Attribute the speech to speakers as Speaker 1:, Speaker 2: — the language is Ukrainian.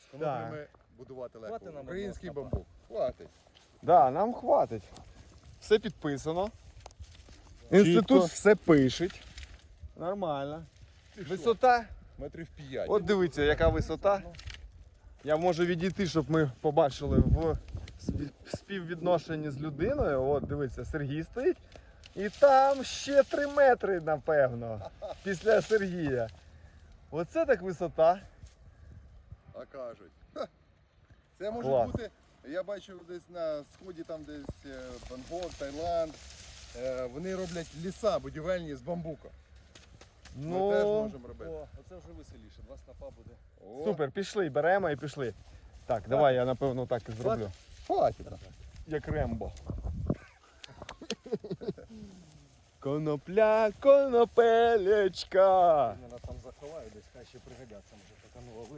Speaker 1: Тому
Speaker 2: Так.
Speaker 1: ми будувати легко.
Speaker 3: Хватить нам
Speaker 1: Український
Speaker 3: одного
Speaker 1: бамбук. Хватить.
Speaker 2: Да, нам хватить. Все підписано. Інститут все пишеть. Нормально. Висота.
Speaker 1: Метрів 5.
Speaker 2: От дивіться, яка висота. Я можу відійти, щоб ми побачили в співвідношенні з людиною. От дивіться, Сергій стоїть. І там ще 3 метри, напевно, після Сергія. Оце так висота.
Speaker 1: А кажуть. Ха. Це може
Speaker 2: Клас.
Speaker 1: бути, я бачив десь на сході, там десь Бангкок, Таїланд. Вони роблять ліса будівельні з бамбука. Ми теж можемо робити.
Speaker 3: О, оце вже веселіше, 2 снапа буде.
Speaker 1: О,
Speaker 2: Супер, пішли, беремо і пішли. Так, давай я напевно так і зроблю.
Speaker 1: хватить.
Speaker 2: Як Рембо. Конопля, конопелечка.
Speaker 3: Мене там заховаю, десь хай ще пригодяться, може, така нова